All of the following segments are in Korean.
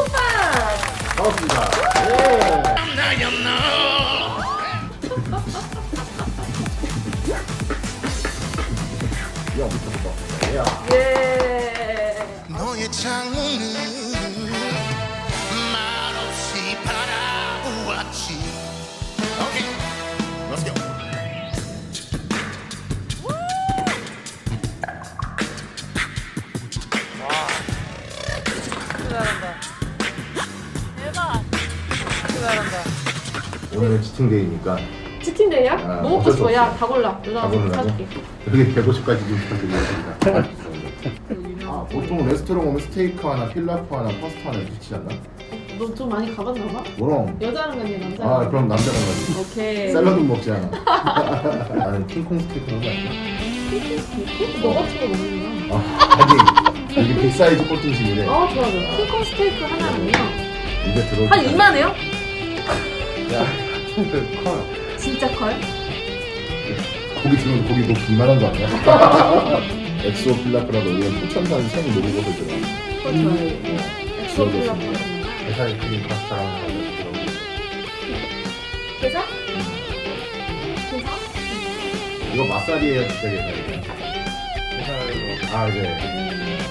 반갑습니다. 야, 미쳤다. 야. 예. 너의 창문을 말없이 바라보았지. 오케이, let's go. 잘한다. 대박. 잘한다. 오늘은 치팅데이니까 치팅데이야? 아, 뭐 먹고 어쩔 수 싶어? 야, 없어. 다 골라. 다 누나가 고르라고? 사줄게. 여기 150까지 좀 부탁드리겠습니다. 아, 보통 레스토랑 오면 스테이크 하나, 필라프 하나, 파스타 하나 이렇게 시키지 않나? 너 좀 많이 가봤나 봐? 그럼. 여자랑 가니 남자랑 아, 가니? 그럼 남자가 가지. 오케이. 샐러드 먹지 않아. 나는 킹콩 스테이크 먹어 할게. 너 같은 거 먹는구나. 아니, 이게 빅사이즈 꼴등심이래. 좋아. 킹콩 스테이크 하나는요? 입에 들어. 한 2만해요? 야, 커요. 진짜 커요? 고기 들어오면 고기 뭐 2만 원도 아니야? 엑소 필라프라고 이런 포천산 생 노루버섯 들어. 좋아요. 엑소 필라프. 게살 크림 파스타랑 하나 들어. 계산? 계산? 이거 마사리에 진짜 게살이야. 게살로. 아, 네.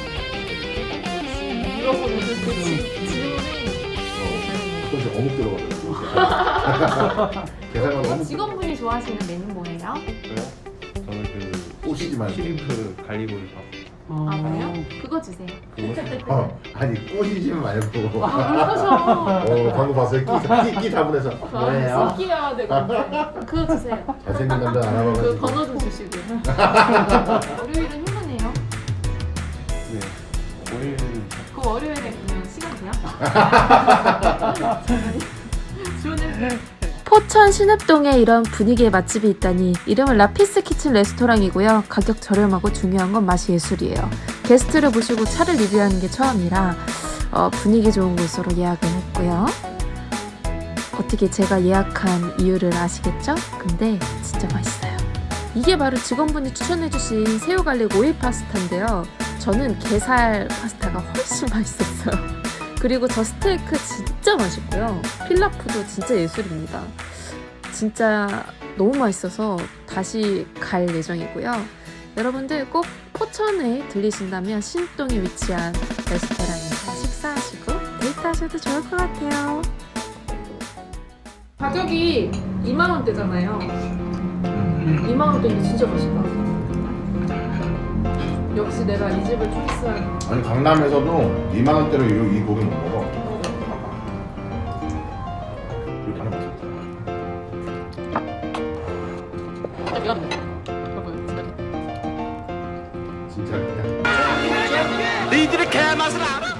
물어보는 그 질문이 조금씩 어묵 들어가더라고. 게살만 어묵. 직원분이 좋아하시는 메뉴 뭐예요? 저요? 저는 그 꼬시지 말고. 시림프 갈리보리 밥. 아 그래요? 그거 주세요. 아니 꼬시지 말고. 아 그러셔. 방금 봤어요. 끼 잡으면서 뭐예요? 끼야 되고 그거 주세요. 잘생긴 남자 그 알아봐가지고. 번호 좀 주시고. 월요일은 휴무네요. 네. 월요일은 그 월요일에 그냥 시간 돼요? 주문해. 포천 신읍동에 이런 분위기의 맛집이 있다니. 이름은 라피스 키친 레스토랑이고요. 가격 저렴하고 중요한 건 맛이 예술이에요. 게스트를 모시고 차를 리뷰하는 게 처음이라 분위기 좋은 곳으로 예약을 했고요. 어떻게 제가 예약한 이유를 아시겠죠? 근데 진짜 맛있어요. 이게 바로 직원분이 추천해주신 새우 갈릭 오일 파스타인데요. 저는 게살 파스타가 훨씬 맛있었어요. 그리고 저 스테이크 진짜 맛있고요. 필라프도 진짜 예술입니다. 진짜 너무 맛있어서 다시 갈 예정이고요. 여러분들 꼭 포천에 들리신다면 신동에 위치한 레스토랑에서 식사하시고 데이트하셔도 좋을 것 같아요. 가격이 2만 원대잖아요. 2만 원대인데 진짜 맛있다. 역시 내가 이 집을 초이스한. 아니 강남에서도 2만 원대로 이 고기 못 먹어. 이렇게 하나 먹어. 진짜 그냥. 니들의 개맛을 알아?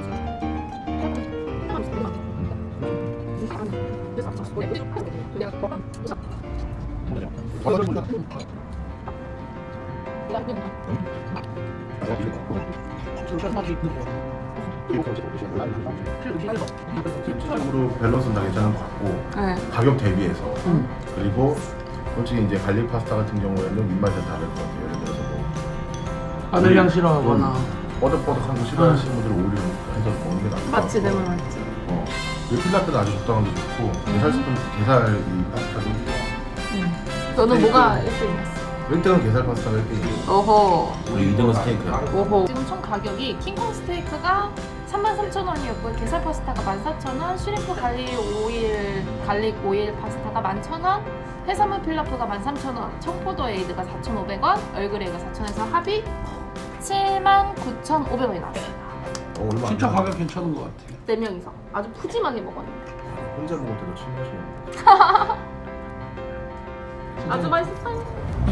실질적으로 밸런스는 다 괜찮은 것 같고 네. 가격 대비해서 그리고 솔직히 이제 갈릭 파스타 같은 경우에는 입맛에 다를 것 같아요. 예를 들어서 뭐 마늘향 싫어하거나 뻐덕뻐덕한 거 싫어하시는 분들은 오히려 해서 먹는 게 나을 것 맞지, 내 같고. 말 맞지. 이 필라프는 아주 적당한 게 좋고 게살 스프 게살 이 파스타도 너는 뭐가 1등이었어? 1등은 게살 파스타가 1등이고 어허. 우리 2등은 스테이크야. 오호. 지금 총 가격이 킹콩 스테이크가 33,000원이었고요. 게살 파스타가 14,000원, 슈림프 갈릭 오일 파스타가 11,000원, 해산물 필라프가 13,000원, 청포도 에이드가 4,500원, 얼그레이가 4,000원에서 합이 79,500원이 나왔어요. 얼마 안 진짜 나와. 가격 괜찮은 것 같아요. 4명이서 아주 푸짐하게 먹었는데 혼자 먹을 때도 친구하시는 아주 맛있었어요.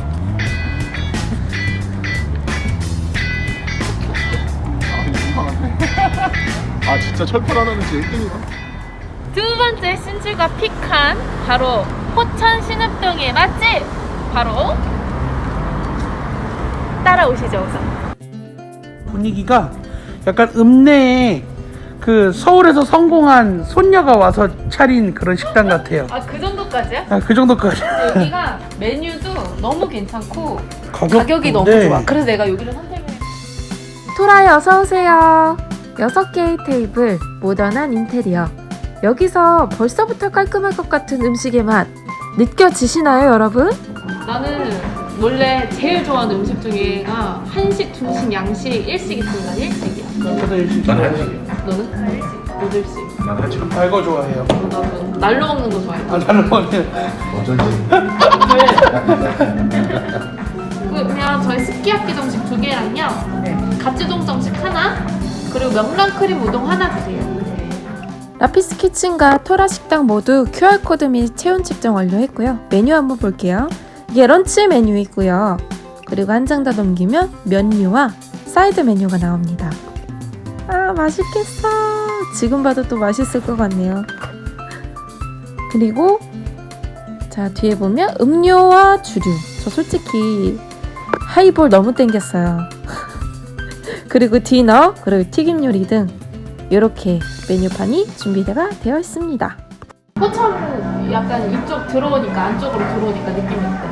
아 진짜 철판 하나는 진짜 1등이야. 두 번째 신주가 픽한 바로 포천 신읍동의 맛집, 바로 따라오시죠. 우선 분위기가 약간 읍내에 그 서울에서 성공한 손녀가 와서 차린 그런 식당 같아요. 그 정도까지야? 그 정도까지. 여기가 메뉴도 너무 괜찮고 가격도 가격이 너무 네. 좋아. 그래서 내가 여기를 선택을 했어. 토라이 어서 오세요. 6개의 테이블, 모던한 인테리어. 여기서 벌써부터 깔끔할 것 같은 음식의 맛 느껴지시나요, 여러분? 나는 원래 제일 좋아하는 음식 중에가 한식, 중식, 양식, 일식 있습니다. 일식이야. 저도 일식 나는 좋아해요. 너는? 너도 일식. 난 하지. 달거 좋아해요. 나도 날로 먹는 거 좋아해. 나는 뭐는 어쩐지. 그냥 저희 스키야키 정식 2개랑요. 가츠동 정식 하나, 그리고 명란 크림 우동 하나 주세요. 라피스 키친과 토라 식당 모두 QR코드 및 체온 측정 완료했고요. 메뉴 한번 볼게요. 이게 런치 메뉴이고요. 그리고 한 장 더 넘기면 면류와 사이드 메뉴가 나옵니다. 아, 맛있겠어. 지금 봐도 또 맛있을 것 같네요. 그리고 자, 뒤에 보면 음료와 주류. 저 솔직히 하이볼 너무 땡겼어요. 그리고 디너, 그리고 튀김 요리 등 이렇게 메뉴판이 준비가 되어 있습니다. 포천 약간 이쪽 들어오니까, 안쪽으로 들어오니까 느낌이 어때?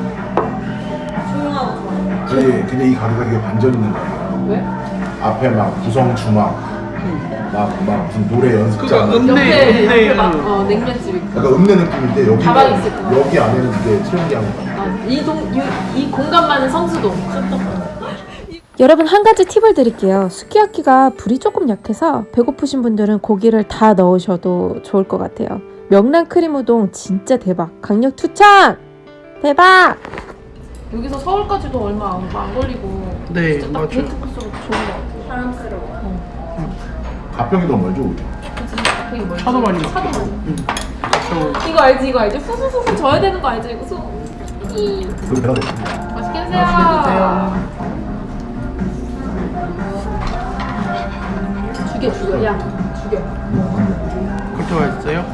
조용하고 좋아. 근데 이 가게가 되게 반전 있는 거야. 왜? 앞에 막 구성 주막, 막 무슨 노래 연습장. 그거 옆에 읍내 막 냉면집 있고. 약간 읍내 느낌인데 여기 가방이 있을 거야. 여기 안에는 되게 트렌디한 거 같아. 이 공간만은 성수동. 여러분, 한 가지 팁을 드릴게요. 수키야키가 불이 조금 약해서 배고프신 분들은 고기를 다 넣으셔도 좋을 것 같아요. 명란 크림 우동 진짜 대박. 강력 추천! 대박! 여기서 서울까지도 얼마 안 걸리고. 네, 진짜 딱 맞아요. 데이트 코스로 좋은 것 같아. 사랑스러워. 가평이 더 멀죠 우리. 그치? 되게 멀지. 차도 많이 차도 막히고. 많이. 저 이거 알지? 이거 알지? 후후후후 져야 되는 거 알지? 이거 그거 배가 됐습니다. 맛있게 드세요. 맛있게 드세요. 죽여. 야, 죽여. 그렇게 맛있어요?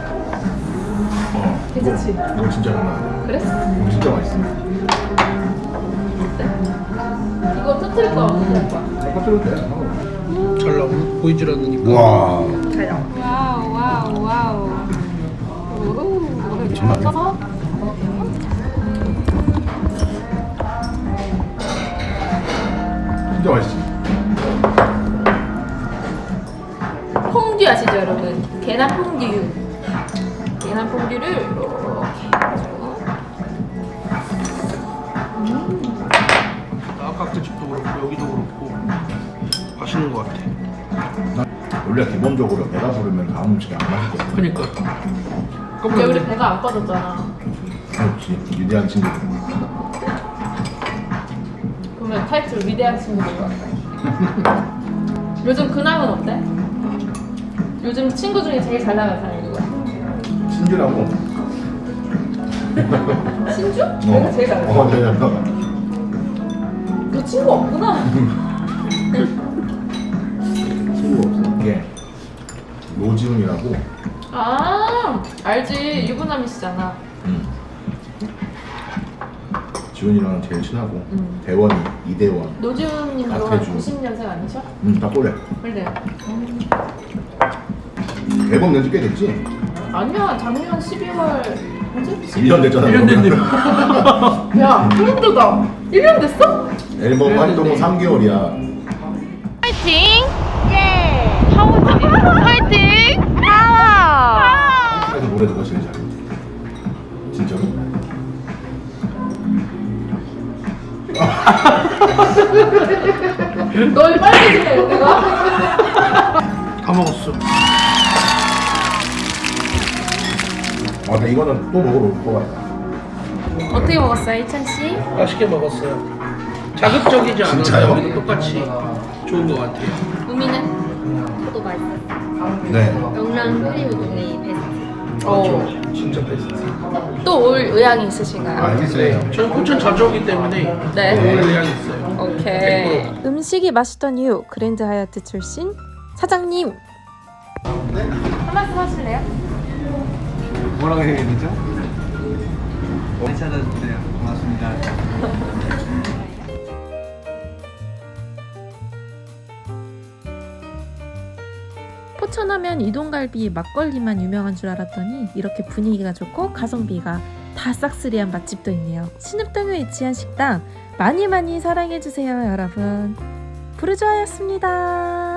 괜찮지? 이거 진짜 장난 아니야. 그래? 이거 진짜 맛있어. 이거 터뜨릴 거야, 안 터뜨릴 거야? 깜짝 놀랐대. 잘 나오고 보이질 않으니까. 와. 와우. 오호. 장난 아니야. 써서 진짜 맛있지. 퐁듀 아시죠, 여러분? 계란 퐁듀. 계란 퐁듀를 이렇게 해가지고. 아까 집도 그렇고 여기도 그렇고 맛있는 것 같아. 원래 기본적으로 배가 부르면 다음 음식이 안 맛있거든. 그니까. 근데 우리 배가 안 꺼졌잖아. 그렇지. 위대한 친구들. 그러면 타이틀 위대한 친구들 같아. 요즘 근황은 어때? 요즘 친구 중에 제일 잘 나가는 사람이 누구야? 신주라고. 신주? 내가 제일 잘 나가. 제일 잘 나가. 너 친구 없구나. 친구가 없어. 이게 노지훈이라고. 아, 알지. 유부남이시잖아. 지훈이랑 제일 친하고 대원이 이대원. 노지훈님 너 나태주. 90년생 아니셔? 다 꼬래. 그래. 앨범 낸지 꽤 됐지? 아니야, 작년 12월 뭐지? 1년 됐잖아. 1년 됐네. 야, 그런데다 1년 됐어? 앨범 활동은 3개월이야. 파이팅! 예! 파워지! 파이팅! 파워! 그래서 노래 누가 제일 잘해? 진짜로? 널 빨개지네, 내가? 다 먹었어. 나 이거는 또 먹으러 올 것 같다. 어떻게 먹었어요, 이찬씨? 맛있게 먹었어요. 자극적이지 않아서 진짜요? 여기도 똑같이 좋은 것 같아요. 우미는? 저도 맛있었어요. 네. 명란 크림 우동이 베스트. 진짜 베스트. 또 올 의향이 있으신가요? 알겠어요. 저는 포천 자주 오기 때문에 네. 올 의향 있어요. 오케이. 음식이 맛있던 이유 그랜드 하얏트 출신 사장님. 한 말씀 하실래요? 뭐라고 해야 되죠? 괜찮아주세요. 고맙습니다. 포천하면 이동갈비 막걸리만 유명한 줄 알았더니 이렇게 분위기가 좋고 가성비가 다 싹쓸이한 맛집도 있네요. 신읍동에 위치한 식당 많이 사랑해주세요, 여러분. 부르주아였습니다.